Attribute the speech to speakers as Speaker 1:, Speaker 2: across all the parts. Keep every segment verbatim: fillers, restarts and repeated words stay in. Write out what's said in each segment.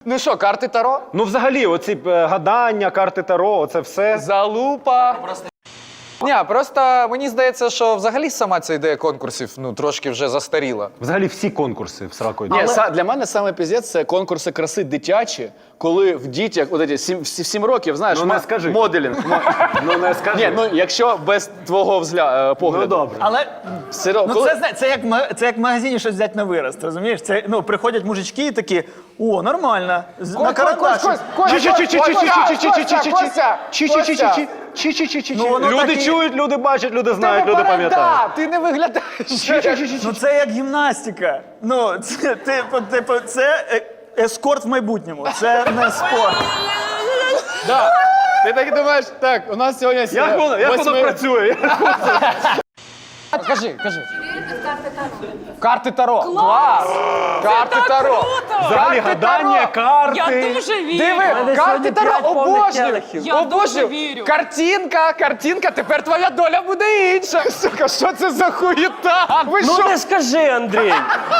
Speaker 1: Ну що, карти Таро?
Speaker 2: Ну взагалі, оці е, гадання, карти Таро, оце все.
Speaker 1: Залупа. Ні, просто мені здається, що взагалі сама ця ідея конкурсів ну, трошки вже застаріла.
Speaker 2: Взагалі всі конкурси в сраку
Speaker 3: Ні, са- для мене саме піздець – це конкурси краси дитячі, коли в дітях, от эти, сім, сім, сім років, знаєш,
Speaker 2: Ну, не
Speaker 3: ма-
Speaker 2: скажи.
Speaker 3: моделінг. Мо-
Speaker 2: Ну не скажи.
Speaker 3: Ні, ну якщо без твого взгля... е, погляду.
Speaker 2: Ну добре.
Speaker 4: Але
Speaker 3: Все одно,
Speaker 4: ну,
Speaker 3: коли-
Speaker 4: це, зна- це, як, ма- це як в магазині щось взяти на вирост, розумієш? Це, ну, приходять мужички і такі, о, нормально, з- на карандаші. Ну, воно
Speaker 2: Люди
Speaker 4: так і-
Speaker 2: чують, люди бачать, люди знають, люди пам'ятають.
Speaker 1: Ти не виглядаєш.
Speaker 4: Ну це як гімнастика. Ну, це, типу, типу, це е- ескорт в майбутньому, це не спорт.
Speaker 3: Да. Ти так думаєш, так, у нас сьогодні...
Speaker 2: Як воно, як воно
Speaker 3: восьми-
Speaker 2: працює?
Speaker 1: Кажи, кажи.
Speaker 5: Вірите в карти Таро?
Speaker 1: Карти Таро. Клас! Карти Таро.
Speaker 2: Взагалі
Speaker 1: Карти
Speaker 2: гадання,
Speaker 1: Таро.
Speaker 2: карти.
Speaker 6: Я дуже вірю.
Speaker 1: Диви, карти Таро обожнюю.
Speaker 6: Я дуже
Speaker 1: Обожнюю.
Speaker 6: вірю.
Speaker 1: Картинка, картинка, тепер твоя доля буде інша. Сука, що це за хуєта? Ви
Speaker 7: Ну
Speaker 1: що?
Speaker 7: не скажи, Андрій.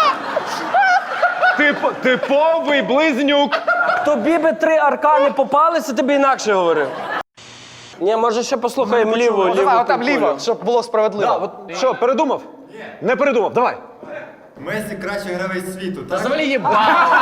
Speaker 2: Тип- Типовий близнюк.
Speaker 7: Тобі би три аркани попалися, ти б інакше говорив. Ні, може ще послухаємо ліву, ліву.
Speaker 1: Давай, отам
Speaker 7: кулю.
Speaker 1: ліво, щоб було справедливо.
Speaker 2: Да, от, що, передумав? Не передумав, давай.
Speaker 8: Месі кращий гравець світу, так?
Speaker 1: Взагалі єба.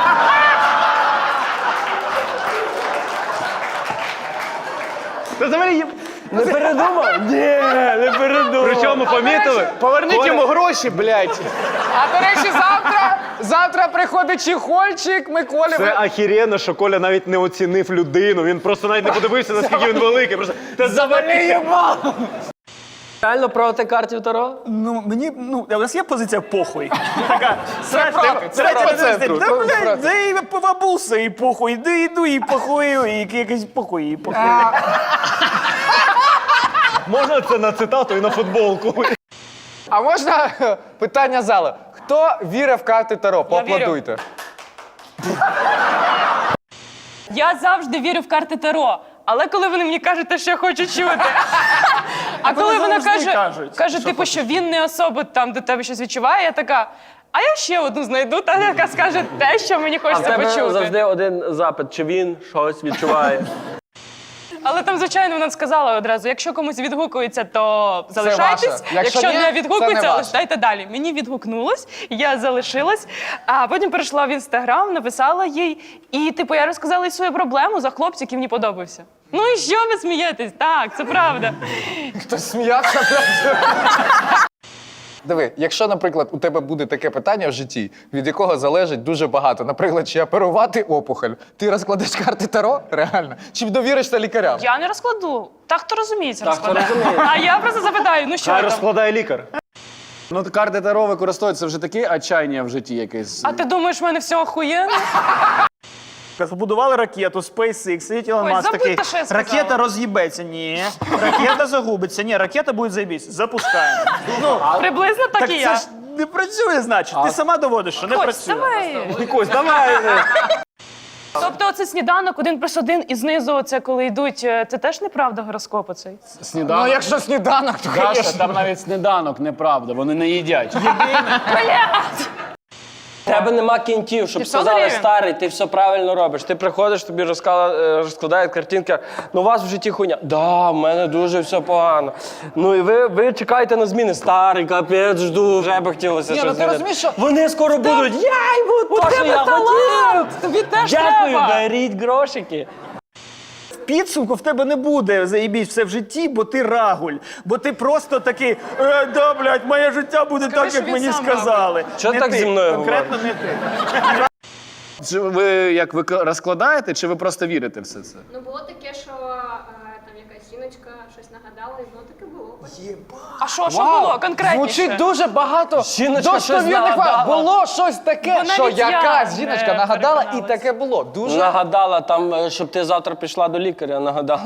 Speaker 2: Ти взагалі...
Speaker 7: Не передумав? Ні, не передумав.
Speaker 2: Причому помітили?
Speaker 3: Поверніть йому гроші, блядь.
Speaker 1: А до речі, завтра, завтра приходить чехольчик Миколі.
Speaker 2: Це ахіренно, що Коля навіть не оцінив людину, він просто навіть не подивився, наскільки він великий. Просто, та завали їбало!
Speaker 7: Реально проти картів Таро?
Speaker 4: Ну, мені, ну, у нас є позиція похуй. Така, срать,
Speaker 1: проти, це
Speaker 4: срать,
Speaker 1: проти
Speaker 4: срать,
Speaker 1: центру,
Speaker 4: Да,
Speaker 1: це
Speaker 4: блядь,
Speaker 1: проти.
Speaker 4: да і побабуса, і похуй, да йду, і похуй, і якийсь похуй, і похуй.
Speaker 2: Можна це на цитату і на футболку?
Speaker 1: А можна питання зали? Хто вірить в карти Таро?
Speaker 6: Я вірю.
Speaker 1: Поаплодуйте.
Speaker 6: Я завжди вірю в карти Таро. Але коли вони мені кажуть те, що я хочу чути. А коли
Speaker 4: вони
Speaker 6: вона
Speaker 4: завжди
Speaker 6: каже,
Speaker 4: кажуть,
Speaker 6: каже, типу, що він не особо там до тебе щось відчуває, я така, а я ще одну знайду, та яка скаже те, що мені
Speaker 7: А в
Speaker 6: хочеться
Speaker 7: тебе
Speaker 6: почути.
Speaker 7: завжди один запит, чи він щось відчуває.
Speaker 6: Але там, звичайно, вона сказала одразу, якщо комусь відгукується, то залишайтесь.
Speaker 1: ваше. Якщо
Speaker 6: Якщо
Speaker 1: ні,
Speaker 6: не
Speaker 1: це
Speaker 6: відгукується,
Speaker 1: не ваше.
Speaker 6: лишайте далі. Мені відгукнулось, я залишилась, а потім перейшла в Інстаграм, написала їй, і типу я розказала їй свою проблему за хлопця, який мені подобався. Ну і що ви смієтесь? Так, це правда.
Speaker 1: Хтось сміявся. Диви, якщо, наприклад, у тебе буде таке питання в житті, від якого залежить дуже багато, наприклад, чи оперувати опухоль, ти розкладеш карти Таро? Реально? Чи довіришся лікарям?
Speaker 6: Я не розкладу. Так, хто розуміється,
Speaker 7: Так, хто
Speaker 6: розкладає.
Speaker 7: розуміє.
Speaker 6: А я просто запитаю, ну що
Speaker 2: Хай
Speaker 6: там?
Speaker 2: розкладає лікар.
Speaker 3: Ну, карти Таро використовуються вже таке отчаяння в житті якесь.
Speaker 6: А ти думаєш, в мене все охуєнно?
Speaker 4: Побудували ракету SpaceX, сидить Ілон
Speaker 6: Ой,
Speaker 4: Маск
Speaker 6: забудьте,
Speaker 4: такий,
Speaker 6: що я сказала.
Speaker 4: ракета роз'їбеться, ні, ракета загубиться, ні, ракета буде заєбісь, запускаємо. Ну,
Speaker 6: Приблизно так,
Speaker 4: так
Speaker 6: і
Speaker 4: це
Speaker 6: я.
Speaker 4: ж не працює, значить, ти сама доводиш, що не
Speaker 6: Ось,
Speaker 4: працює.
Speaker 6: давай.
Speaker 2: Кось, давай.
Speaker 6: Тобто оце сніданок один плюс один і знизу оце коли йдуть, е, це теж неправда гороскоп оцей?
Speaker 3: Сніданок.
Speaker 1: Ну, якщо сніданок, то,
Speaker 3: Даша,
Speaker 1: звісно.
Speaker 3: там навіть сніданок, неправда, вони не їдять.
Speaker 7: В тебе нема кінтів, щоб
Speaker 6: І все
Speaker 7: сказали,
Speaker 6: дорівнює.
Speaker 7: старий, ти все правильно робиш. Ти приходиш, тобі розкала- е, розкладають картинка, ну у вас в житті хуйня. Да, в мене дуже все погано. Ну і ви, ви чекаєте на зміни. Старий, капець, жду, вже би хотілося
Speaker 1: Ні,
Speaker 7: щось
Speaker 1: ну ти
Speaker 7: змінити.
Speaker 1: розумієш, що-
Speaker 7: Вони скоро будуть, я йому
Speaker 6: У
Speaker 7: то, що
Speaker 6: тебе
Speaker 7: я
Speaker 6: талант!
Speaker 7: хотів.
Speaker 6: Тобі теж
Speaker 7: Дякую,
Speaker 6: треба!
Speaker 7: беріть грошики.
Speaker 4: Підсумку в тебе не буде заєбісь все в житті, бо ти рагуль. Бо ти просто такий, е, да, блядь, моє життя буде
Speaker 6: Скажи,
Speaker 4: так,
Speaker 6: що
Speaker 4: як
Speaker 6: він
Speaker 4: мені
Speaker 6: сам
Speaker 4: сказали.
Speaker 7: Чого
Speaker 4: Не
Speaker 7: так
Speaker 4: ти,
Speaker 7: зі мною
Speaker 4: конкретно не ти.
Speaker 3: Чи ви як ви розкладаєте, чи ви просто вірите в все це?
Speaker 5: Ну було таке, що е, там якась жіночка щось нагадала, і воно таке було.
Speaker 6: А що, що
Speaker 1: Вау,
Speaker 6: було конкретніше?
Speaker 1: Звучить дуже багато
Speaker 7: Жіночка щось
Speaker 1: достовірних
Speaker 7: нагадала.
Speaker 1: фактів. Було щось таке,
Speaker 6: Бо
Speaker 1: що
Speaker 6: навіть я
Speaker 1: якась
Speaker 6: не
Speaker 1: жіночка нагадала, і
Speaker 6: переконалась.
Speaker 1: таке було. Дуже
Speaker 7: Нагадала там, е, щоб ти завтра пішла до лікаря, нагадала.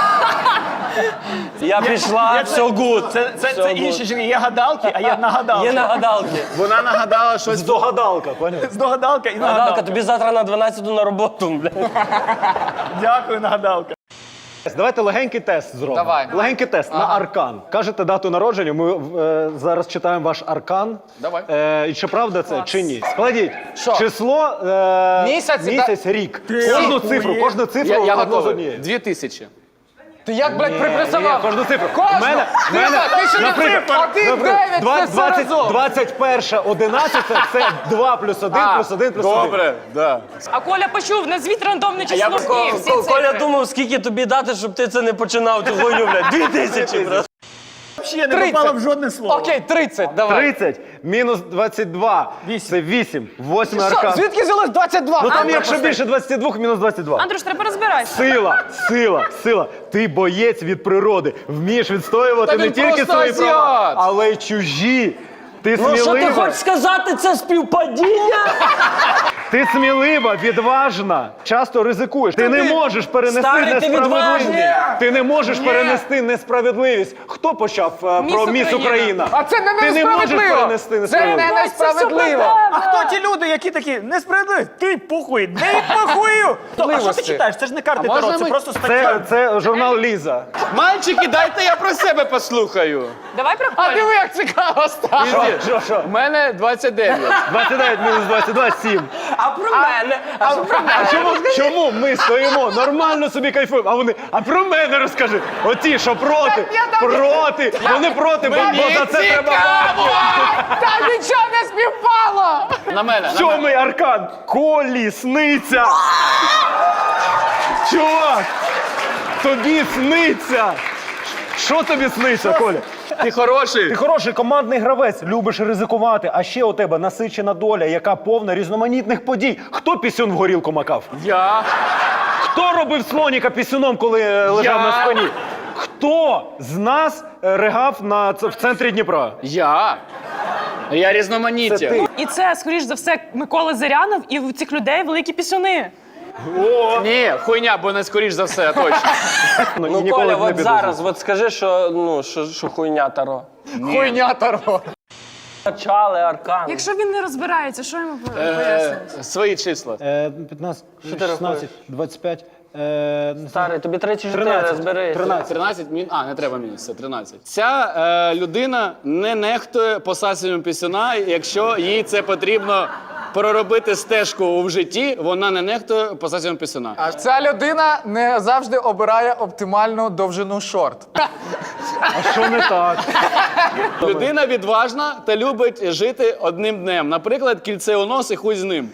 Speaker 7: Я пішла, все гуд.
Speaker 4: Це, це,
Speaker 7: Все
Speaker 4: це
Speaker 7: good.
Speaker 4: інші жінки. Є гадалки, а є нагадалки.
Speaker 7: Є нагадалки.
Speaker 3: Вона нагадала щось.
Speaker 2: Здогадалка, поняв?
Speaker 4: Здогадалка і
Speaker 7: Нагадалка,
Speaker 4: нагадалка.
Speaker 7: тобі завтра на дванадцяту на роботу, блядь.
Speaker 4: Дякую, нагадалка.
Speaker 2: Давайте легенький тест зробимо.
Speaker 1: Давай.
Speaker 2: Легенький тест на аркан. Кажете дату народження, ми е, зараз читаємо ваш аркан.
Speaker 1: Давай.
Speaker 2: Е, і чи правда це, чи ні? Складіть
Speaker 1: Що?
Speaker 2: число, е,
Speaker 1: Місяць,
Speaker 2: місяць рік. Кожну
Speaker 4: охуєв.
Speaker 2: цифру, кожну цифру
Speaker 3: Я, я
Speaker 2: одну з
Speaker 3: готовий.
Speaker 2: однієї.
Speaker 3: Дві тисячі.
Speaker 1: Ти як, блядь,
Speaker 2: Ні,
Speaker 1: припресував?
Speaker 2: кожну цифру.
Speaker 1: Кожну?
Speaker 2: В мене, в
Speaker 1: Ти
Speaker 2: мене,
Speaker 1: що, ти що не
Speaker 2: наприклад,
Speaker 1: цифр? Один,
Speaker 2: наприклад,
Speaker 1: дев'ять,
Speaker 2: два-
Speaker 1: це все
Speaker 2: двадцять
Speaker 1: разом.
Speaker 2: двадцять перше, одинадцяте – це два плюс один, плюс один, плюс один.
Speaker 3: Добре, да.
Speaker 6: А Коля почув, назвіть рандомне
Speaker 7: А я
Speaker 6: число
Speaker 7: б
Speaker 6: в дні, всі
Speaker 7: Ко- Коля
Speaker 6: цифри.
Speaker 7: думав, скільки тобі дати, щоб ти це не починав, цю хуйню, блядь. Дві тисячі, брат.
Speaker 4: Взагалі не попало в жодне слово.
Speaker 1: Окей, тридцять, давай.
Speaker 2: тридцять мінус двадцять два – це вісім. Восьмий
Speaker 1: Що,
Speaker 2: аркан.
Speaker 1: звідки взялось двадцять два?
Speaker 2: Ну там
Speaker 1: А,
Speaker 2: якщо більше двадцяти двох, мінус двадцять два.
Speaker 6: Андрюш, треба розбиратися.
Speaker 2: Сила, сила, сила. Ти боєць від природи. Вмієш відстоювати
Speaker 1: Та
Speaker 2: не
Speaker 1: він
Speaker 2: тільки
Speaker 1: просто
Speaker 2: свої права,
Speaker 1: азіат.
Speaker 2: але й чужі. Ти
Speaker 7: Ну що ти
Speaker 2: смілива,
Speaker 7: хочеш сказати, це співпадіння?
Speaker 2: ти смілива, відважна, часто ризикуєш. Ти не можеш перенести
Speaker 7: Старий, ти
Speaker 2: несправедливість.
Speaker 7: відважний.
Speaker 2: Ти не можеш перенести несправедливість. Хто почав е,
Speaker 6: Міс
Speaker 2: про міс
Speaker 6: Україна.
Speaker 2: Україна?
Speaker 1: А це не
Speaker 2: Ти не можеш
Speaker 1: несправедливо.
Speaker 2: перенести
Speaker 1: Це
Speaker 2: несправедливість.
Speaker 1: не несправедливо.
Speaker 4: А хто ті люди, які такі несправедливі? Ти похуй, не похую. А що ти
Speaker 1: Можливості.
Speaker 4: читаєш? Це ж не карти
Speaker 3: можна
Speaker 4: Таро, це
Speaker 3: ми-
Speaker 4: просто
Speaker 2: Це,
Speaker 4: стаття.
Speaker 2: це журнал Ліза.
Speaker 3: Мальчики, дайте я про себе послухаю.
Speaker 6: Давай про
Speaker 1: А
Speaker 6: Колю.
Speaker 1: диви, як цікаво стало.
Speaker 2: Що, що?
Speaker 3: У мене двадцять дев'ять.
Speaker 2: двадцять дев'ять мінус двадцять два – сім.
Speaker 7: А про мене? А що про мене?
Speaker 2: А чому, чому ми стоїмо, нормально собі кайфуємо, а вони, а про мене розкажи. Оті, що проти, проти, вони проти, бо, бо за це треба бабки.
Speaker 1: Та нічого не співпало.
Speaker 3: На мене. На мене.
Speaker 2: Сьомий аркан, колісниця. Чувак, тобі сниться. Що тобі сниться, Коля?
Speaker 3: Ти хороший.
Speaker 2: Ти хороший командний гравець, любиш ризикувати, а ще у тебе насичена доля, яка повна різноманітних подій. Хто пісюн в горілку макав?
Speaker 3: Я.
Speaker 2: Хто робив слоніка пісюном, коли е, лежав
Speaker 3: Я.
Speaker 2: на спині? Хто з нас е, ригав на, ц- в центрі Дніпра?
Speaker 3: Я. Я різноманіття.
Speaker 6: І це, скоріш за все, Микола Зирянов, і у цих людей великі пісюни.
Speaker 3: Ні, хуйня, бо не скоріш за все, точно.
Speaker 7: Ну,
Speaker 2: ніколи
Speaker 7: Коля,
Speaker 2: б не
Speaker 7: от
Speaker 2: піду.
Speaker 7: зараз, от скажи, що, ну, що, що хуйня Таро.
Speaker 1: Хуйня Таро.
Speaker 7: Почали аркан.
Speaker 6: Якщо він не розбирається, що йому пояснити?
Speaker 3: Е, Свої числа.
Speaker 2: Е, п'ятнадцять, шістнадцять, двадцять п'ять, е,
Speaker 7: Старий, тобі тридцять чотири,
Speaker 2: тринадцять,
Speaker 7: розберись.
Speaker 2: тринадцять.
Speaker 3: тринадцять мін... А, не треба мінус, це тринадцять. Ця е, людина не нехтує посасенням пісюна, якщо їй це потрібно проробити стежку в житті, вона не нехтує посасенням пісюна.
Speaker 1: А ця людина не завжди обирає оптимальну довжину шорт.
Speaker 2: А що не так?
Speaker 3: Людина відважна та любить жити одним днем. Наприклад, кільце у нос і хуй з ним.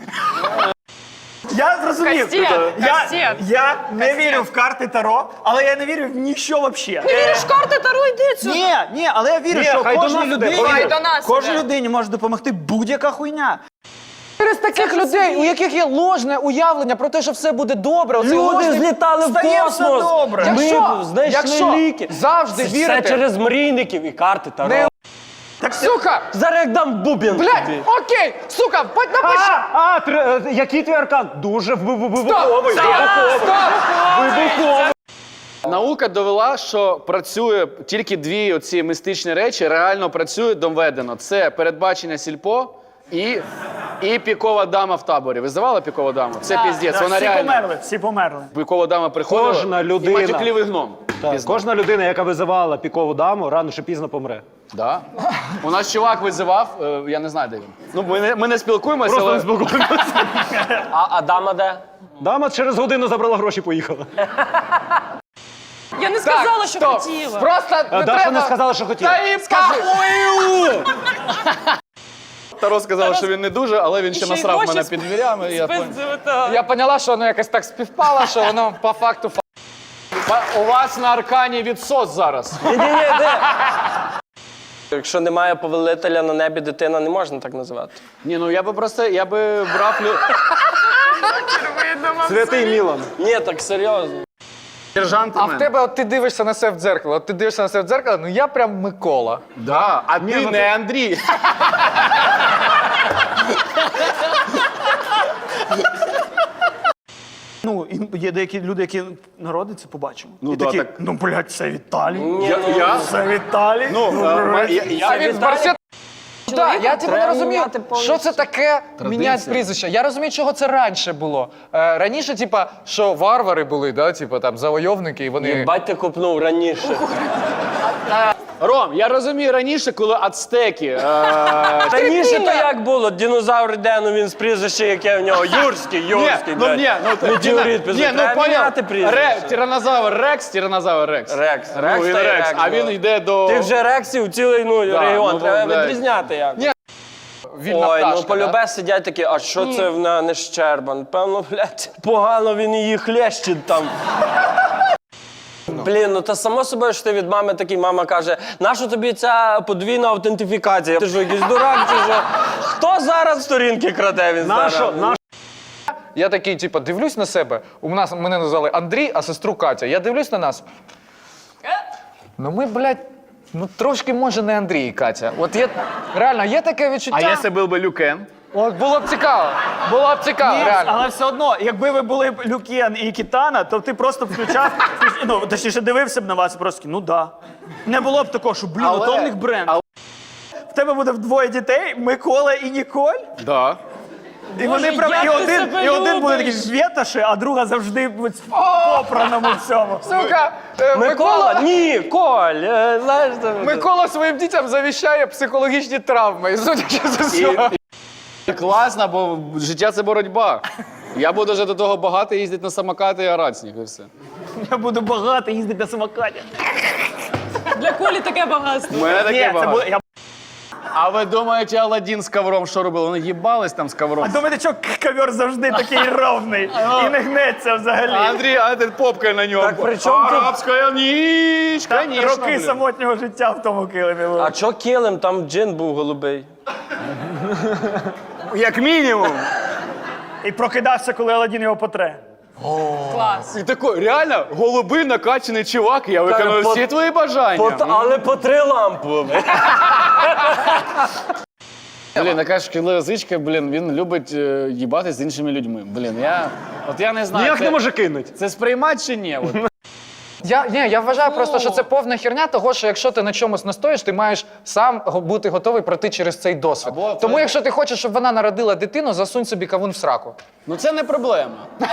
Speaker 4: Я зрозумів.
Speaker 6: Кастет,
Speaker 4: Я,
Speaker 6: кастет.
Speaker 4: я не вірю в карти Таро, але я не вірю в ніщо взагалі.
Speaker 6: Віриш, карти Таро, йди сюди.
Speaker 4: Ні, ні, але я вірю,
Speaker 2: Ні,
Speaker 4: що
Speaker 2: хай до
Speaker 4: кожній
Speaker 2: нас іде,
Speaker 4: людині,
Speaker 2: хай
Speaker 6: до нас
Speaker 4: кожній
Speaker 6: іде.
Speaker 4: людині може допомогти будь-яка хуйня.
Speaker 1: Через таких людей, у яких є ложне уявлення про те, що все буде добре. Оцей
Speaker 7: Люди
Speaker 1: ложний...
Speaker 7: злітали в
Speaker 4: Стає все
Speaker 7: космос.
Speaker 4: добре.
Speaker 7: Ми
Speaker 1: Якщо-
Speaker 7: знайшли
Speaker 1: якщо
Speaker 7: ліки.
Speaker 1: завжди
Speaker 7: Це
Speaker 1: вірити-
Speaker 7: все через мрійників і карти Таро.
Speaker 1: Не- Сука!
Speaker 7: Зараз як дам бубін
Speaker 1: Блядь,
Speaker 7: тобі.
Speaker 1: окей, сука, будь напиши.
Speaker 2: А, а тр- е, який твій аркан? Дуже в- в- в-
Speaker 1: Стоп!
Speaker 2: вибуховий.
Speaker 1: Стоп! Стоп!
Speaker 2: Вибуховий.
Speaker 3: Наука довела, що працює тільки дві оці містичні речі, реально працює доведено. Це передбачення сільпо і, і пікова дама в таборі. Ви здавали пікову даму? Це піздець,
Speaker 4: Так,
Speaker 3: вона
Speaker 4: всі
Speaker 3: реально.
Speaker 4: померли, всі померли.
Speaker 3: Пікова дама приходила
Speaker 2: Кожна
Speaker 3: і
Speaker 2: людина.
Speaker 3: матюклівий гном.
Speaker 2: Так,
Speaker 3: Пізно.
Speaker 2: кожна людина, яка визивала пікову даму, рано чи пізно помре.
Speaker 3: Да. У нас чувак визивав, е, я не знаю, де він. Ну, ми не, ми не спілкуємося,
Speaker 2: Просто
Speaker 3: але...
Speaker 2: не спілкуємося.
Speaker 7: А, а дама де?
Speaker 2: Дама через годину забрала гроші і поїхала.
Speaker 6: Я не сказала, що
Speaker 1: стоп.
Speaker 6: хотіла.
Speaker 1: Просто
Speaker 2: А
Speaker 1: не
Speaker 2: Даша
Speaker 1: треба...
Speaker 2: не сказала, що хотіла.
Speaker 1: Та їй похуй!
Speaker 3: Таро сказав, що він не дуже, але він ще
Speaker 6: ще й
Speaker 3: насрав
Speaker 6: гроші
Speaker 3: мене
Speaker 6: сп-
Speaker 3: під дверями. І я пон-
Speaker 6: Спиздили, так.
Speaker 1: Я поняла, що воно якось так співпало, що воно по факту... фа-
Speaker 3: Па- У вас на аркані відсос зараз.
Speaker 7: Ні-ні-ні, де? Якщо немає повелителя на небі, дитина не можна так називати.
Speaker 3: Ні, ну я би просто, я би брав лю...
Speaker 2: Святий Мілан.
Speaker 7: Ні, так серйозно.
Speaker 3: сержанта.
Speaker 1: А в тебе, от ти дивишся на себе в дзеркало, от ти дивишся на себе в дзеркало, ну я прям Микола.
Speaker 3: Да, а ти не Андрій.
Speaker 4: Ну, і є деякі люди, які народяться, побачимо.
Speaker 3: Ну,
Speaker 4: і
Speaker 3: да,
Speaker 4: такі,
Speaker 3: так.
Speaker 4: ну, блядь, це Віталій.
Speaker 7: Ні,
Speaker 3: Я,
Speaker 7: ну,
Speaker 3: я?
Speaker 4: Це Віталій.
Speaker 3: Ну, е, ма- я,
Speaker 1: А
Speaker 3: я,
Speaker 1: він з Барсет... Так, я типу не
Speaker 7: Треба
Speaker 1: розумію,
Speaker 7: міняти
Speaker 1: що це таке міняти прізвище. Я розумію, чого це раніше було. Е, раніше, типа, що варвари були, да, типа там завойовники, і вони.
Speaker 7: Єбать ти купнув раніше.
Speaker 3: Ром, я розумію раніше, коли ацтеки. Е,
Speaker 7: Раніше то як було? Динозавр де, ну він з прізвища, яке в нього? Юрський, Юрський,
Speaker 3: ну
Speaker 7: блядь.
Speaker 3: ні, ну ти-
Speaker 7: Метеорит,
Speaker 3: ні,
Speaker 7: пиздец.
Speaker 3: ну
Speaker 7: Треба
Speaker 3: поняв.
Speaker 7: міняти прізвище.
Speaker 3: Ре, тиранозавр Рекс, тиранозавр Рекс.
Speaker 7: Рекс.
Speaker 3: Ну,
Speaker 7: Рекс
Speaker 3: він
Speaker 7: та й
Speaker 3: Рекс,
Speaker 7: Рекс,
Speaker 3: а він
Speaker 7: бро.
Speaker 3: йде до...
Speaker 7: Ти вже рексів цілий ну,
Speaker 3: Да,
Speaker 7: регіон,
Speaker 3: ну,
Speaker 7: треба
Speaker 3: блядь.
Speaker 7: відрізняти як.
Speaker 1: Ні. Вільна
Speaker 7: Ой,
Speaker 1: пташка,
Speaker 7: ну полюбе
Speaker 1: да?
Speaker 7: сидять такі, а що це в мене Щербан? Певно, блядь, погано він її хлещить там. Блін, ну та само собою, що ти від мами такий, мама каже, нащо тобі ця подвійна аутентифікація? Ти що, якийсь дурак чи що? Хто зараз сторінки краде в
Speaker 2: Нащо?
Speaker 7: інстаграмі?
Speaker 2: Нащо?
Speaker 1: Я такий, типу, дивлюсь на себе. У нас мене назвали Андрій, а сестру Катя. Я дивлюсь на нас. Ну ми, блядь, ну трошки може не Андрій і Катя. От є реально, є таке відчуття.
Speaker 3: А якщо був би Люкен?
Speaker 1: От було б цікаво. Було б цікаво,
Speaker 4: Ні,
Speaker 1: реально.
Speaker 4: але все одно, якби ви були б Люкен і Кітана, то ти просто включав, ну, точніше, дивився б на вас і просто, такий, ну да. Не було б такого, що, блін,
Speaker 3: Але-
Speaker 4: ото в них бренд. В тебе буде вдвоє дітей, Микола і Ніколь,
Speaker 3: Да.
Speaker 4: і вони прям,
Speaker 6: як
Speaker 4: і
Speaker 6: ти
Speaker 4: один,
Speaker 6: себе
Speaker 4: і один буде такий
Speaker 6: любиш?
Speaker 4: свєташи, а друга завжди в попраному всьому.
Speaker 1: Сука, е,
Speaker 7: Микола?
Speaker 1: Микола,
Speaker 7: Ні, Коль, е, знаєш, там...
Speaker 1: Микола своїм дітям завіщає психологічні травми. І судячи з усього.
Speaker 3: І класно, бо життя – це боротьба. Я буду вже до того багато їздити на самокати і орати з них, і все.
Speaker 4: Я буду багато їздити на самокаті.
Speaker 6: Для Колі таке багатство.
Speaker 3: У мене
Speaker 4: Ні,
Speaker 3: таке
Speaker 4: це
Speaker 3: багато.
Speaker 4: буде, я...
Speaker 3: А ви думаєте, Аладдін з ковром що робив? Вони їбались там з ковром?
Speaker 4: А думаєте, що ковер завжди такий ровний і не гнеться взагалі?
Speaker 3: Андрій, а ти попкою на ньому.
Speaker 7: Так при чому тут-
Speaker 3: Арабська ніч,
Speaker 4: Та
Speaker 3: конечно,
Speaker 4: роки
Speaker 3: блін.
Speaker 4: самотнього життя в тому килимі були.
Speaker 7: А чо килим? Там джин був голубий.
Speaker 3: Як мінімум.
Speaker 4: І прокидався, коли Аладдін його потре.
Speaker 6: Клас.
Speaker 3: І такий, реально, голубий накачаний чувак, я виконав
Speaker 7: по-
Speaker 3: всі твої бажання.
Speaker 7: По- але по три лампи.
Speaker 3: Блін, така шкідлива звичка, блін, він любить е, їбатись з іншими людьми. Блін, я, от я не знаю,
Speaker 2: Ніяк
Speaker 3: це,
Speaker 2: не може кинути.
Speaker 3: це сприймати чи ні? От.
Speaker 1: Я, ні, я вважаю просто, що це повна херня того, що якщо ти на чомусь настоїш, ти маєш сам го- бути готовий пройти через цей досвід.
Speaker 3: Або
Speaker 1: Тому
Speaker 3: це-
Speaker 1: якщо ти хочеш, щоб вона народила дитину, засунь собі кавун в сраку.
Speaker 3: Ну це не проблема.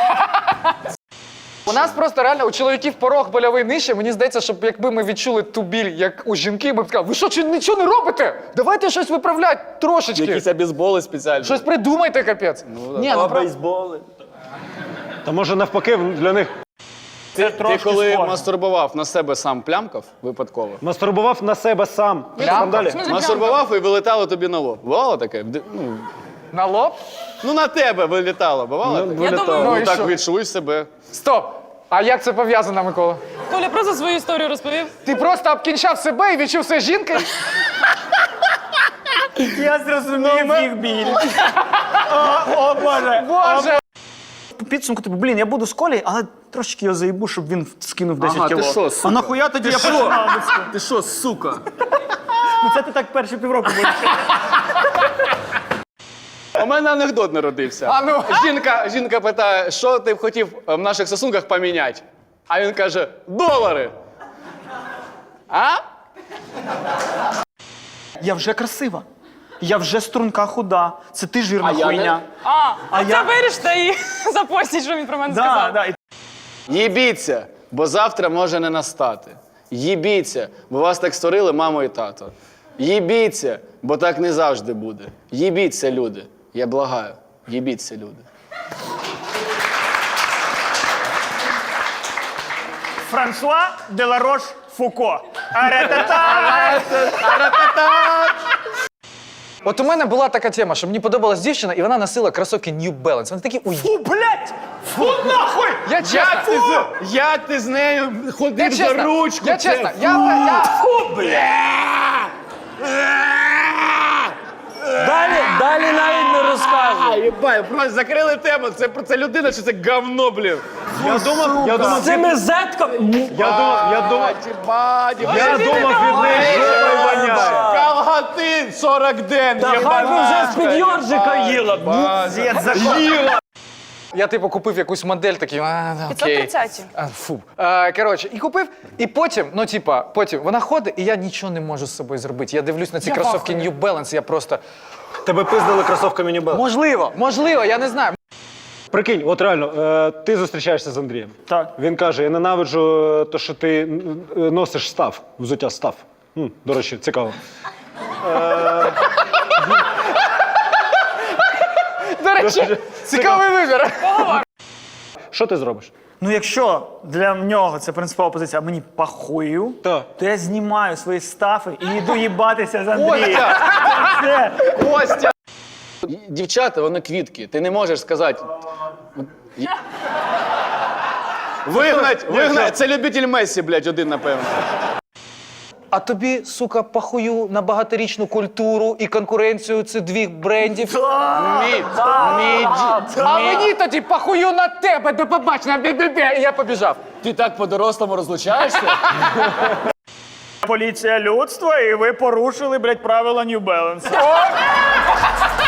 Speaker 1: У нас просто реально у чоловіків порог больовий нижче. Мені здається, щоб якби ми відчули ту біль, як у жінки, ми б сказали, ви що, чи нічого не робите? Давайте щось виправляти трошечки.
Speaker 3: Якісь обізболи спеціальні.
Speaker 1: Щось придумайте, капець. Ні, ну,
Speaker 7: О,
Speaker 1: про-
Speaker 7: бейсболи.
Speaker 2: Та може навпаки для них
Speaker 3: Ти, ти
Speaker 4: трошки
Speaker 3: коли
Speaker 4: схоже.
Speaker 3: мастурбував на себе сам плямкав випадково?
Speaker 2: мастурбував на себе сам. Що
Speaker 1: Плямкав?
Speaker 2: там далі?
Speaker 6: В смислі,
Speaker 3: Мастурбував і вилетало тобі на лоб. Бувало таке? Де- Ну,
Speaker 1: на лоб?
Speaker 3: ну на тебе вилітало, бувало? таке?
Speaker 6: Я думаю,
Speaker 1: Ну,
Speaker 3: Ну
Speaker 1: і
Speaker 3: так
Speaker 1: що?
Speaker 3: відчуй себе.
Speaker 1: Стоп! А як це пов'язано, Микола?
Speaker 6: Коля просто свою історію розповів.
Speaker 1: Ти просто обкінчав себе і відчув себе жінкою?
Speaker 4: Я зрозумів їх біль. О, о, Боже.
Speaker 1: Боже!
Speaker 4: По підсумку, типу, блін, я буду з Колею, але трошечки його заїбу, щоб він скинув десять
Speaker 3: Ага, ти
Speaker 4: кіло.
Speaker 3: що, сука?
Speaker 4: А нахуя тоді я починав? би з-
Speaker 3: Ти що, сука?
Speaker 4: Ну це ти так перші півроку будеш.
Speaker 3: У мене анекдот народився.
Speaker 1: А ну.
Speaker 3: Жінка, жінка питає, що ти б хотів в наших стосунках поміняти? А він каже, долари. А?
Speaker 4: Я вже красива. Я вже струнка худа. Це ти жирна
Speaker 3: А я не-
Speaker 4: хуйня.
Speaker 6: А, а це
Speaker 4: я-
Speaker 6: виріште і запостіть, що він про мене
Speaker 4: Да,
Speaker 6: сказав.
Speaker 4: да. І
Speaker 3: Їбіться, бо завтра може не настати. Їбіться, бо вас так створили мамо і тато. Їбіться, бо так не завжди буде. Їбіться, люди. Я благаю. Їбіться, люди.
Speaker 4: Франсуа Деларош Фуко. Аретата!
Speaker 1: От у мене була така тема, що мені подобалась дівчина, і вона носила кросовки New Balance. Вони такі уй.
Speaker 4: Фу, блядь! Фу, нахуй!
Speaker 1: Я чесно,
Speaker 3: Як ти, з- як ти з нею
Speaker 1: я
Speaker 3: ходив за
Speaker 1: чесно,
Speaker 3: ручку?
Speaker 1: я
Speaker 3: Це
Speaker 1: чесно, я, я,
Speaker 7: Далі, далі навіть не розказуй.
Speaker 3: Єбай, просто закрили тему. Це, це людина чи це говно, блін?
Speaker 2: Я думав, я
Speaker 7: З
Speaker 2: думав,
Speaker 7: цими зетками.
Speaker 2: я думав, я думав,
Speaker 3: Єбать, єбать.
Speaker 2: я думав від неї жопою воняє.
Speaker 3: Калгатин сорок ден,
Speaker 7: Та хай би вже з-під йоржика їла.
Speaker 4: Дід, за що?
Speaker 3: Їла.
Speaker 1: Я типу купив якусь модель, такий, а, окей.
Speaker 6: п'ятсот тридцять.
Speaker 1: А, фу. А, коротше, і купив, і потім, ну типа, потім вона ходить, і я нічого не можу з собою зробити. Я дивлюсь на ці кросовки New Balance, я просто...
Speaker 2: Тебе пиздили кросовками New Balance.
Speaker 1: Можливо, можливо, я не знаю.
Speaker 2: Прикинь, от реально, е, ти зустрічаєшся з Андрієм.
Speaker 4: Так.
Speaker 2: Він каже: я ненавиджу е, те, що ти н- н- носиш став, взуття став. М, до речі, цікаво.
Speaker 1: До речі, цікавий вибір.
Speaker 2: Що ти зробиш?
Speaker 4: Ну, якщо для нього це принципова позиція, а мені пахую,
Speaker 2: Так.
Speaker 4: то я знімаю свої стафи і йду їбатися з Андрієм. Це
Speaker 3: Костя! Дівчата, вони квітки. Ти не можеш сказати. Вигнать, вигнать. Це любитель Месі, блядь, один, напевно.
Speaker 1: А тобі, сука, похую на багаторічну культуру і конкуренцію цих двох брендів.
Speaker 3: Мій, мій, ді-
Speaker 1: А
Speaker 3: мій-
Speaker 1: мені тоді похую на тебе, до побачення, бі-бі-бі, і я побіжав.
Speaker 3: Ти так по-дорослому розлучаєшся?
Speaker 4: поліція людства, і ви порушили, блядь, правила New Balance.